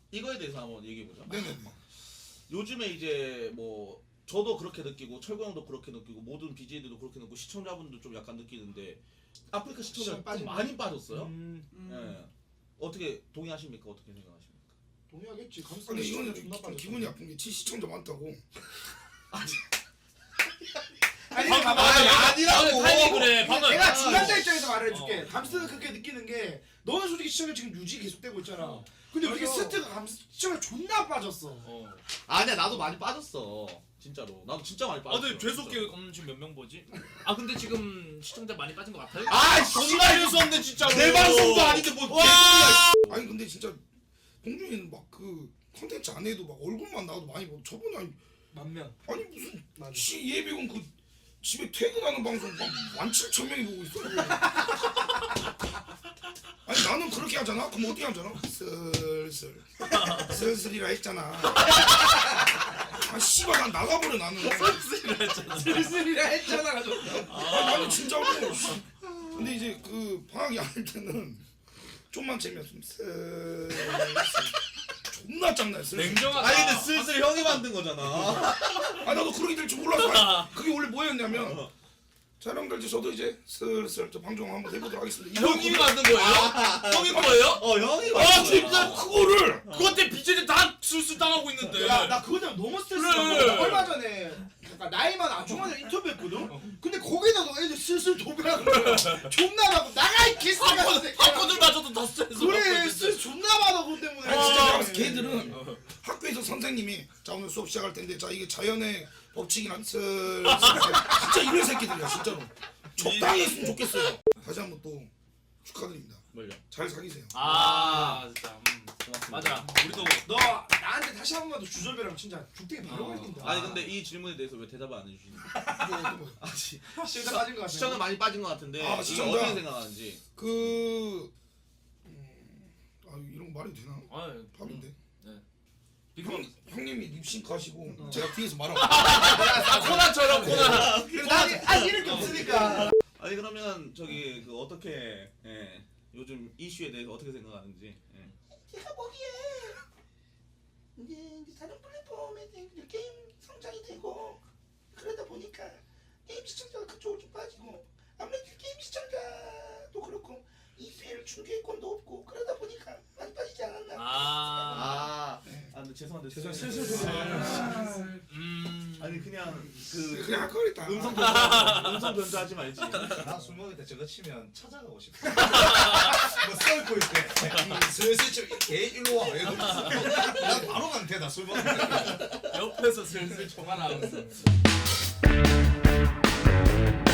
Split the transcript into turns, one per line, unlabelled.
이거에 대해서 한번 얘기해보자.
네네.
요즘에 이제 뭐 저도 그렇게 느끼고 철구 형도 그렇게 느끼고 모든 BJ들도 그렇게 느끼고 시청자분도 좀 약간 느끼는데 아프리카 시청자 좀 많이 빠졌어요. 예. 어떻게 동의하십니까? 어떻게 생각하십니까?
동의하겠지.
근데 이거는
존나
좀
빠졌어.
기분이 아픈 게 시청자 많다고.
아니
아니,
봐봐.
아니라고.
타이밍 그래. 방금
내가 중간자 입장에서 말을 해줄게. 감스는 그렇게 느끼는 게 너는 솔직히 시청자 지금 유지 계속되고 있잖아. 근데 우리
맞아.
스트가 시청자 존나 빠졌어.
아니야 나도 많이 빠졌어. 진짜로. 나도 진짜 많이
아
빠졌어.
근데 죄송해요. 지금 몇 명 보지? 아 근데 지금 시청자 많이 빠진 것 같아요?
아
정말 유수한데 진짜로.
내 방송도 아닌데 뭐
와.
개소리야.
아니 근데 진짜 봉준이는 막 그 컨텐츠 안 해도 막 얼굴만 나와도 많이 보고 저번에
만 명.
아니 무슨
맞아.
예비군 그 집에 퇴근하는 방송 막 17,000명이 보고 있어. 아니 나는 그렇게 하잖아. 그럼 어떻게 하잖아? 슬슬이라 했잖아. 아 씨발 난 나가버려 나는.
슬슬이라 했잖아 가지고.
아 나는 진짜로. 근데 이제 그 방학이 아닐 때는 좀만 재미없으면 존나 짱나.
냉정하다.
아니 근데 슬슬 형이 만든 거잖아.
아 나도 그렇게 될 줄 몰랐어. 아니, 그게 원래 뭐였냐면 자 여러분들 이제 저도 이제 슬슬 저 방송 한번 해보도록 하겠습니다.
형님이 만든 거예요? 형이 거예요?
형이
아
만든
진짜
거야.
그거를
그것 때문에 BJ들 다 술술 당하고 있는데.
나 그거 때문에 너무 스트레스
그래.
받고 얼마 전에 약간 나이만 아중한테 인터뷰했거든? 근데 거기다가 애들 슬슬 도배하는 거야. 존나 많고 나가 이 개새끼야.
팝콘을 맞아도 더 스트레스 받고
그래
있는데.
스트레스 존나 많아 그것 때문에.
아니, 진짜
어.
내가 봤을 때 걔들은 학교에서 선생님이 자 오늘 수업 시작할 텐데 자 이게 자연의 법칙이란 슬슬 진짜 이런 새끼들이야 진짜로. 적당히 했으면 좋겠어요. 다시 한번 또 축하드립니다.
뭘요?
잘 사귀세요.
아 진짜.
고맙습니다.
맞아. 우리도
너 나한테 다시 한 번만 더 주절배라고 진짜 죽대기 바로 걸린다.
아니 근데 이 질문에 대해서 왜 대답을 안 해주시는 거예요? 아,
시청자 빠진 거 같아.
시청자 많이 빠진 것 같은데
아,
이거
시청자.
어떻게 생각하는지.
아 이런 거 말해도 되나?
아
밥인데.
빅방.
형님이 립싱크 하시고 제가 뒤에서 말하고.
아 코난처럼 코난.
아니 이럴 게 없으니까.
아니 그러면 저기 그 어떻게 요즘 이슈에 대해서 어떻게 생각하는지.
제가 보기에 이제 다른 플랫폼에 게임 성장이 되고 그러다 보니까 게임 시청자가 그쪽으로 좀 빠지고 아무래도 게임 시청자도 그렇고 EPL 중계권도 없고 그러다 보니까 많이 빠지지 않았나.
근데 죄송한데
슬슬
아니 그냥
그냥 할 거랬다.
음성 변조하지 말지.
나 술 먹을 때 저거 치면 찾아가고 싶어. 뭐 썰고 있대. 슬슬 치면 개 일로 와. 이러고 있어. 난 바로 가면 돼. 나 술 먹을 때.
옆에서 슬슬 총알하면서.